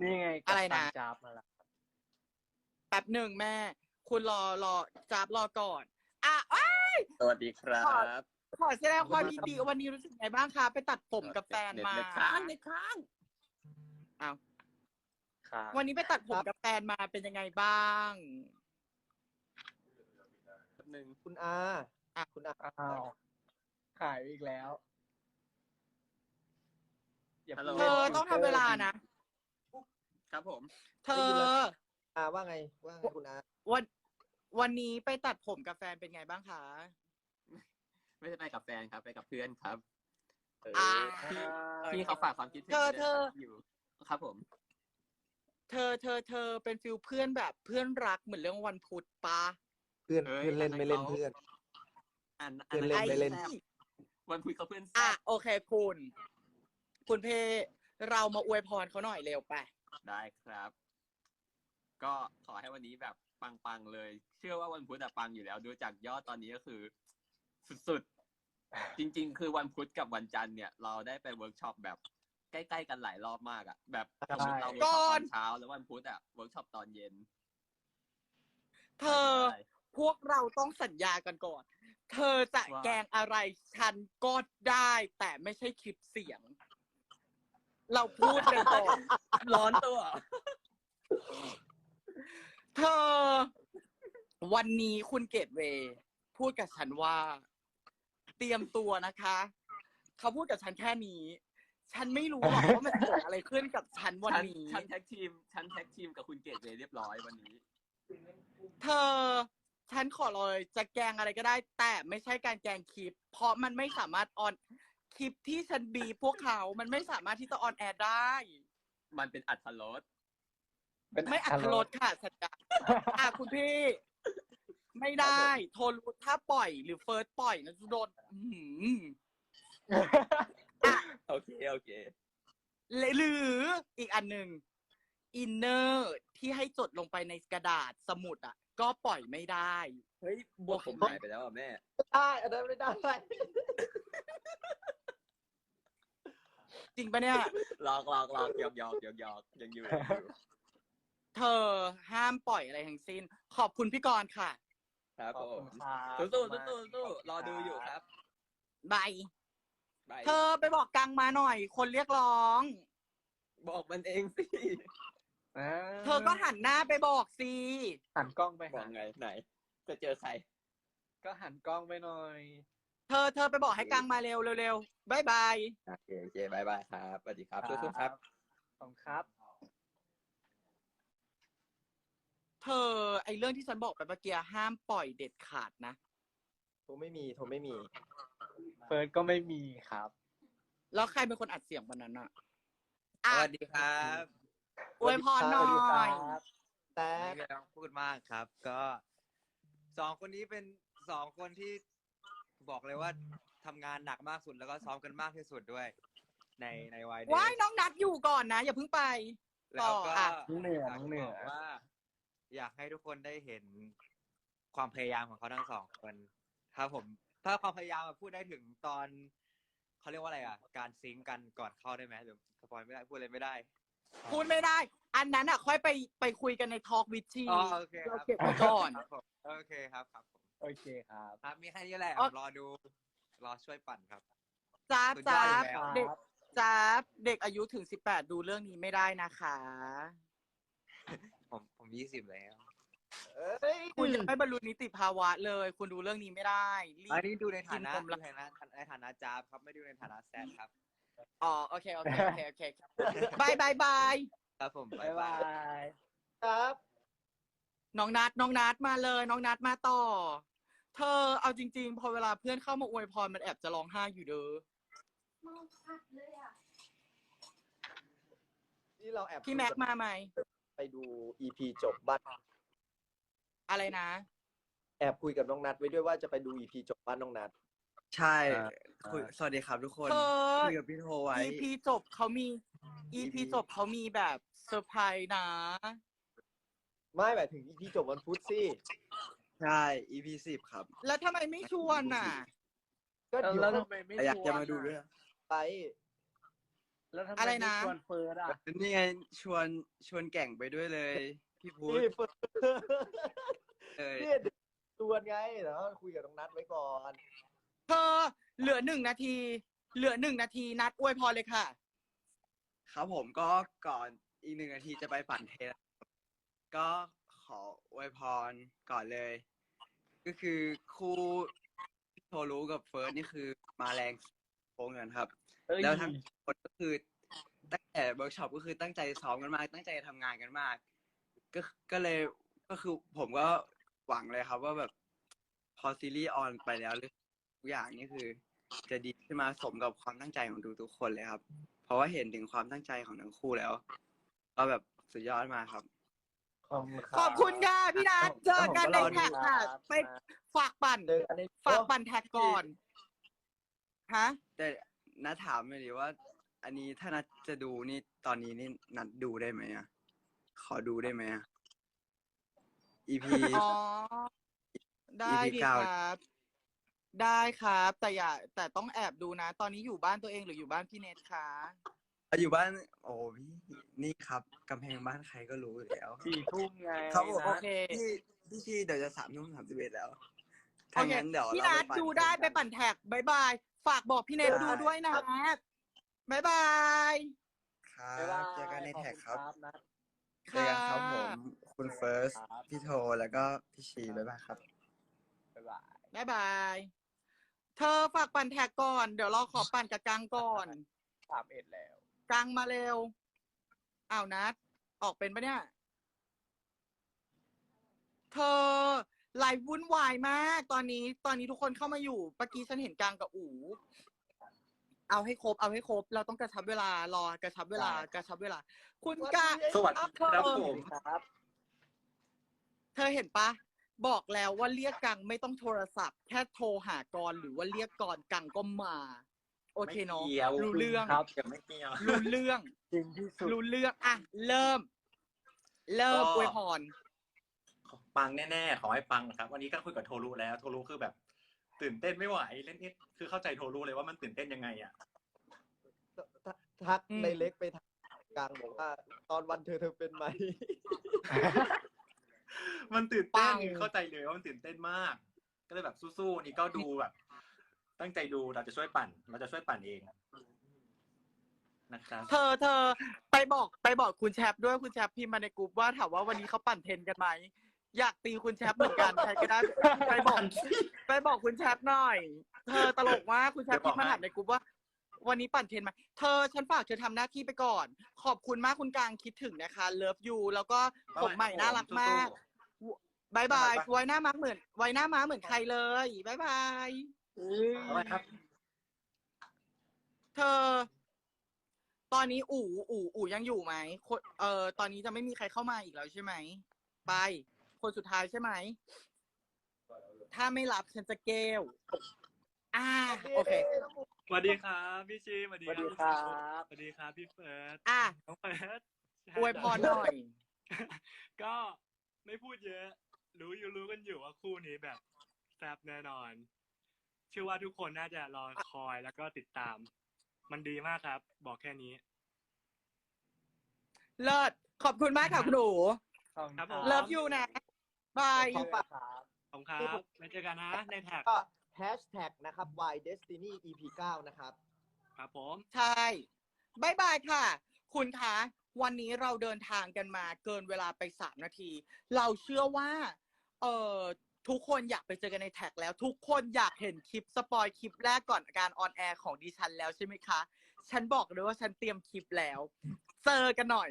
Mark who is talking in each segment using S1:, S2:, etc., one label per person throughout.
S1: นี่ไง
S2: อะไรนะ
S1: จับมาละ
S2: แป๊บหนึ่งแม่ คุณรอจับรอก่อน
S3: สวัสดีครับ
S2: ขอแสดงความยินดีวันนี้รู้สึกไงบ้างคะไปตัดผมกับแฟนมา
S3: เน็ตค้าง
S2: อ้าว
S1: ครับ
S2: วันนี้ไปตัดผมกับแฟนมาเป็นยังไงบ้าง
S3: แป๊บนึง
S4: คุณอา คุณอา
S1: อ้าวหายอีกแล้วอย่า
S3: ฮัลโหล
S2: เธอต้องทำเวลานะ
S3: ครับผม
S2: เธอ
S4: อาว่าไงคุณอา
S2: วันนี้ไปตัดผมกับแฟนเป็นไงบ้างคะ
S3: ไม่ได้ไปกับแฟนครับ ไปกับเพื่อนครับ
S1: พี่
S3: พี่เขาฝากความคิดถึง
S2: เธอ
S3: อยู่ครับผม
S2: เธอเป็นฟิลเพื่อนแบบเพื่อนรักเหมือนเรื่องวันพุธปะ
S4: เพื่อนเล่นไม่เล่นเพื่อน
S3: อัน
S4: เพื่อนเล่นไม่เล่น
S3: แซ่บวันคุยเขาเพื่อนแซ่
S2: อ่ะ
S3: บ
S2: โอเคคุณเพเรามาอวยพรเขาหน่อยเร็วไป
S3: ได้ครับ ก็ขอให้วันนี้แบบปังๆเลย เชื่อว่าวันพุธอะปังอยู่แล้วดูจากยอดตอนนี้ก็คือ สุดๆ จริงๆ คือวันพุธกับวันจันทร์เนี่ย เราได้ไปเวิร์กช็อปแบบใกล้ๆกันหลายรอบมากอะแบบสมมติเราเวิร์กช็อปตอนเช้าแล้ววันพุธอะเวิร์กช็อปตอนเย็น
S2: เธอ พวกเราต้องสัญญากันก่อน เธอจะแกล้งอะไรฉันก็ได้ แต่ไม่ใช่คลิปเสียง เราพูดกันก่อน
S3: ร้อนตัว
S2: เธอ วันนี้คุณเกตเวย์พูดกับฉันว่า เตรียมตัวนะคะ เขาพูดกับฉันแค่นี้ ฉันไม่รู้หรอกว่ามันเกิดอะไรขึ้นกับฉันวันนี้
S3: ฉันแท็กทีมกับคุณเกดเลยเรียบร้อยวันนี้
S2: เธอ ฉันขอเลยจะแกล้งอะไรก็ได้ แต่ไม่ใช่การแกล้งคลิป เพราะมันไม่สามารถออนคลิปที่ฉันบีบพวกเขา มันไม่สามารถที่จะออนแอร์ได้
S3: มันเป็นอัตรส
S2: ไม่อัตลดค่ะสัญญาคุณพี่ ไม่ได้ โทรรู้ถ้าปล่อยหรือเฟิร์สปล่อยนะจะโดน
S3: โอเค
S2: หรืออีกอันหนึ่งอินเนอร์ที่ให้จดลงไปในกระดาษสมุดอ่ะ ก็ปล่อยไม่ได้
S3: เฮ้ยบวกผมหายไปแล้วอ่ะแม่
S4: ได้อันนั้นไม่ได้
S2: จริงปะเนี่ย
S3: หลอกหยอกยังอยู่
S2: เธอห้ามปล่อยอะไรทั้งสิ้น ขอบคุณพี่กรณ์ค่ะ
S3: ครับ
S1: ขอบ
S3: ผ
S1: คุ
S3: ม
S1: ณครับ
S3: สู้รอดูอยู่ครับ
S2: บาย
S3: บาย
S2: เธอไปบอกกังมาหน่อย คนเรียกร้อง
S3: บอกมันเองสิ
S2: เธอก็หันหน้าไปบอกสิ
S1: หันกล้องไป
S3: บอกไงไหน จะเจอใคร
S1: ก็หันกล้องไปหน่อย
S2: เธอไปบอกให้กังมาเร็วบายบาย
S3: โอเคบายครับสวัสดีครับสู้ๆครับ
S1: ขอบคุณครับ
S2: เธอไอเรื่องที่ฉันบอกไปเมื่อกี้ห้ามปล่อยเด็ดขาดนะ
S4: โทรไม่มี
S1: เฟิร์สก็ไม่มีครับ
S2: แล้วใครเป็นคนอัดเสียงวันนั้นอะ
S5: สวัสดีครับ
S2: อวยพรหน่อย
S4: แต่
S5: ไม่ต้องพูดมากครับ ก็สองคนนี้เป็นสองคนที่บอกเลยว่าทำงานหนักมากสุดแล้วก็ซ้อมกันมากที่สุดด้วย ในวัยเด็ก
S2: ว้ายน้องนัดอยู่ก่อนนะ อย่าเพิ่งไป
S5: แล้วก็
S2: อ่ะ
S1: น้องเหนือ
S5: อยาก
S1: น้องเหนื
S5: บ
S1: อ
S5: อกว่า อยากให้ทุกคนได้เห็นความพยายามของเขาทั้งสองคนถ้าความพยายามพูดได้ถึงตอนเขาเรียกว่าอะไรอ่ะ การซิงค์กันก่อนเข้าได้ไหมหรือสปอยไม่ได้พูดอะไรไม่ได้
S2: พูดไม่ได้ อันนั้นอ่ะ ค่อยไปคุยกันในทอล์กวิชี
S5: อ๋อโอเคค
S2: เรา
S5: รับ
S2: เก็บไว้ก่อน
S5: ครับผมโอเคครับผม
S1: โอเคครับ
S5: ครับมีแค่นี้แหละ
S2: อ๋อ
S5: รอดูรอช่วยปั่นครับ
S2: จ้าบ
S5: สุดยอดอยู่แล้ว
S2: เด็กจ้าบเด็กอายุถึง18ดูเรื่องนี้ไม่ได้นะคะ
S5: ผม20แล้ว
S4: เอ้ย
S2: คุณยังไม่บรรลุนิติภาวะเลย คุณดูเรื่องนี้ไม่ได้รีบ
S5: อันนี้ดูในฐานะ
S2: กินผมละ
S5: ในฐานะจาบครับไม่ดูในฐานะแซดครับ
S2: อ๋อโอเคบาย
S5: ครับผม
S1: บ๊ายบาย
S4: ครับ
S2: น้องนัดมาเลย น้องนัดมาต่อ เธอเอาจริงๆ พอเวลาเพื่อนเข้ามาอวยพรมันแอบจะร้องไห้อยู่เด้อ
S4: ที่เราแอบ
S2: พี่แม็กมาไหม
S4: ไปดู EP จบบ้าน
S2: อะไรนะ
S4: แอบคุยกับน้องนัดไว้ด้วยว่าจะไปดู EP จบบ้านน้องนัด
S5: ใช่สวัสดีครับทุกคน
S2: เธอ
S5: คุยกับพี่โทไว้
S2: EP จบเขามีแบบเซอร์ไพรส์นะ
S4: ไม่หมายถึง EP จบวันพุธสิ
S5: ใช่ EP 10 ครับ
S2: แล้วทำไมไม่ชวนน่ะ
S4: ก็เดี๋ยว
S1: แล้วทำไมไม่
S5: อยาก
S1: ชวน
S5: จะมาดูด้วย
S4: ไป
S1: แล้วทำไม
S2: อะไร
S1: ไม่
S2: นะ
S1: ชวนเฟิร์สอ่ะ
S5: นี่ไงชวนแก่งไปด้วยเลย พี่พุทธ
S4: นี่เฟิร์ส
S5: เลย
S4: เนี่ยเดี๋ยวชวนไงเดี๋ยวคุยกับน้องนัทไว้ก่อน
S2: เธอเหลือ1 นาที เหลือ1 นาทีนัดอวยพรเลยค่ะ
S5: ครับผมก็ก่อนอีก1 นาทีจะไปปั่นเทรลก็ขออวยพรก่อนเลย ก็คือคู่พี่โทรู้กับเฟิร์สนี่คือมาแรงโค้งกันครับ
S1: เอ้ย
S5: แล้วทั้งคนก็คือตั้งแต่เวิร์กช็อปก็คือตั้งใจซ้อมกันมาก ตั้งใจทำงานกันมาก ก็เลยก็คือผมก็หวังเลยครับว่าแบบพอซีรีส์ออนไปแล้วทุกอย่างนี่คือ จะดีขึ้นมาสมกับความตั้งใจของทุกคนเลยครับ เพราะว่าเห็นถึงความตั้งใจของทั้งคู่แล้ว ก็แบบสุดยอดมากครับ
S2: ขอบคุณค่ะพี่นัทเจอกันในแท็กค่ะ ไปฝากปั่น
S4: เจอกันใน
S2: ฝากปั่นแท็กก่อนฮะ
S5: แต่นัดถามเลยดิว่า อันนี้ถ้านัดจะดูนี่ตอนนี้นี่นัดดูได้ไหมอ่ะ ขอดูได้ไหมอ่ะ EP
S2: อ๋อ ได้ดี
S5: เก้า
S2: ครับ ได้ครับ แต่ต้องแอบดูนะ ตอนนี้อยู่บ้านตัวเองหรืออยู่บ้านพี่เนทคะ
S5: อยู่บ้าน โอ้พี่นี่ครับกำแพงบ้านใครก็รู้อยู่แล้ว
S1: 4 ทุ่มไง
S5: ครับผม
S2: โอเค
S5: พี่ชีเดี๋ยวจะ3:31แล้ว
S2: โอ
S5: ถ้า
S2: เค
S5: งั้นเดี๋ยว
S2: พี่
S5: เรา
S2: นัท
S5: ไป
S2: ดูได้ไปปั่นแท็กบายบาย ฝากบอกพี่เนทดูด้วยนะบายบาย
S5: ครับ
S1: บ๊ายบาย
S5: เจอกันในแท็กครับ
S1: ขอณนัท
S5: เจอกันครับผม คุณเฟิร์ส
S1: ครับ
S5: พี่โทแล้วก็พี่ชีบ๊ายบายครับ
S1: บ๊ายบาย
S2: บายบาย เธอฝากปั่นแท็กก่อน เดี๋ยวเราขอปั่นกับกังก่อน
S1: 31 แล้ว
S2: กังมาเร็ว อ้าวนัด ออกเป็นปะเนี่ย เธอไลฟ์วุ่นวายมาก ตอนนี้ทุกคนเข้ามาอยู่เมื่อกี้ฉันเห็นกังกับอู๋ เอาให้ครบ เราต้องกระชับเวลารอกระชับเวลา คุณกะ
S3: สวัสดี
S2: เอาเธ
S3: ครับ
S2: อ
S3: ผม
S1: ครับ
S2: เธอเห็นปะ บอกแล้วว่าเรียกกังไม่ต้องโทรศัพท์ แค่โทรหากรหรือว่าเรียกกรกังก็มา โอเคเนาะ
S3: ไม่เกี่ยว
S2: รู้เรื่อง
S1: ครับ
S3: ยังไม่เกี่ยว
S2: รู้เรื่อง
S1: จริงที่สุด
S2: รู้เรื่อง อ่ะ เริ่ม
S3: ก็
S2: อวยพร
S3: ปังแน่ๆ ขอให้ปังนะครับ วันนี้ก็คุยกับโทรุแล้ว โทรุคือแบบ ตื่นเต้นไม่ไหวเล่นนิดคือเข้าใจโทรุเลยว่ามันตื่นเต้นยังไงอ่ะ
S4: ทัก
S2: อืม
S4: ในเล็กไปทางกลางบอกว่า ตอนวันเธอเป็นไหม
S3: มันตื่นเต้น
S2: ปัง
S3: เข้าใจเลยว่ามันตื่นเต้นมาก ก็เลยแบบสู้ๆนี่ก็ดูแบบ ตั้งใจดูเราจะช่วยปั่นเองนะครับ
S2: เธอไปบอกคุณแชปด้วยคุณแชปพิมพ์มาในกลุ่มว่าถามว่าวันนี้เขาปั่นเทรนกันไหม อยากตีคุณแชปเหมือนกันใครก็ได้ไปบอกคุณแชปหน่อย เธอตลกมากคุณแชปพิมพ์มาถามในกลุ่มว่า วันนี้ปั่นเทรนไหมเธอฉันฝากเธอทำหน้าที่ไปก่อน ขอบคุณมากคุณกลางคิดถึงนะคะ เลิฟยูแล้วก็ผมใหม่น่ารักมากบายบายไว้หน้าม้าเหมือนใครเลยบายบาย
S3: เอาไว้ครับ
S2: เธอ ตอนนี้อู๋ยังอยู่ไหมตอนนี้จะไม่มีใครเข้ามาอีกแล้วใช่ไหม ไป คนสุดท้ายใช่ไหม ถ้าไม่รับฉันจะเกลโอเค
S6: สวัสดีครับพี่ชีสวัสดี
S1: สวัสดีครับ
S6: สวัสดีครับพี่เฟิร์ส
S2: อ่ะ
S6: น้องเฟิร์ส
S2: อวยพรหน่อย
S6: ก็ไม่พูดเยอะ รู้กันอยู่ว่าคู่นี้แบบแซ่บแน่นอน เชื่อว่าทุกคนน่าจะรอคอยแล้วก็ติดตาม มันดีมากครับ บอกแค่นี้
S2: เลิศ ขอบคุณมากค่ะคุณหนู
S6: ครับผม
S2: เลิฟยูนะ บาย
S1: ขอบคุณครับ
S6: ขอบคุณครับไว้เจอกันนะในแท็ก
S4: ก็แฮชแท็กนะครับ Y Destiny EP 9 นะครับ
S6: ครับผม
S2: ใช่บายบายค่ะ คุณคะ วันนี้เราเดินทางกันมาเกินเวลาไป3 นาที เราเชื่อว่า ทุกคนอยากไปเจอกันในแท็กแล้ว ทุกคนอยากเห็นคลิปสปอยคลิปแรกก่อนการออนแอร์ของดิฉันแล้วใช่ไหมคะ ฉันบอกเลยว่าฉันเตรียมคลิปแล้ว เจอกันหน่อย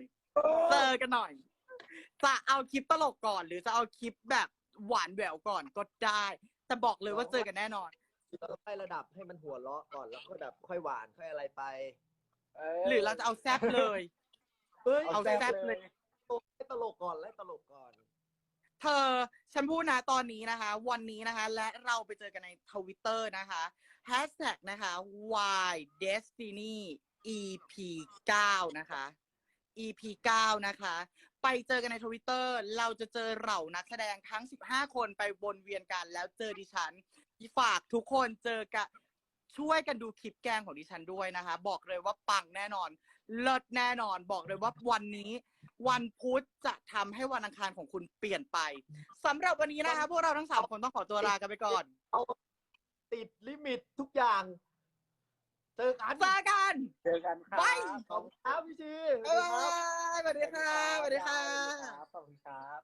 S2: จะเอาคลิปตลกก่อน หรือจะเอาคลิปแบบหวานแหววก่อนก็ได้ แต่บอกเลยว่าเจอกันแน่นอน
S4: เราต้องไล่ระดับให้มันหัวเราะก่อนแล้วก็แบบค่อยหวานค่อยอะไรไป
S2: หรือเราจะเอาแซบเลย
S4: เฮ้ย
S2: เอาแซ่บเลย
S4: ไล่ตลกก่อนไล่ตลกก่อน
S2: เธอ ฉันพูดนะตอนนี้นะคะ วันนี้นะคะ และเราไปเจอกันในทวิตเตอร์นะคะแฮชแท็กนะคะ Y Destiny EP 9 นะคะ EP 9 นะคะ ไปเจอกันในทวิตเตอร์เราจะเจอเหล่านักแสดงทั้ง15 คนไปวนเวียนกันแล้วเจอดิฉันฝากทุกคนเจอกันช่วยกันดูคลิปแกล้งของดิฉันด้วยนะคะ บอกเลยว่าปังแน่นอนเลิศแน่นอนบอกเลยว่าวันนี้ วันพุธจะทำให้วันอังคารของคุณเปลี่ยนไปสำหรับวันนี้นะคะพวกเราทั้งสามคนต้องขอตัวลากันไปก่อน
S4: ติดลิมิตทุกอย่าง เจอกัน
S2: เจอกัน
S1: เจอกันครับ
S2: ไป
S4: ขอบคุณครับพี่ชี
S2: บ๊ายบายสวัสดีค่ะสวัสดีค่ะ
S1: ขอบคุณครับ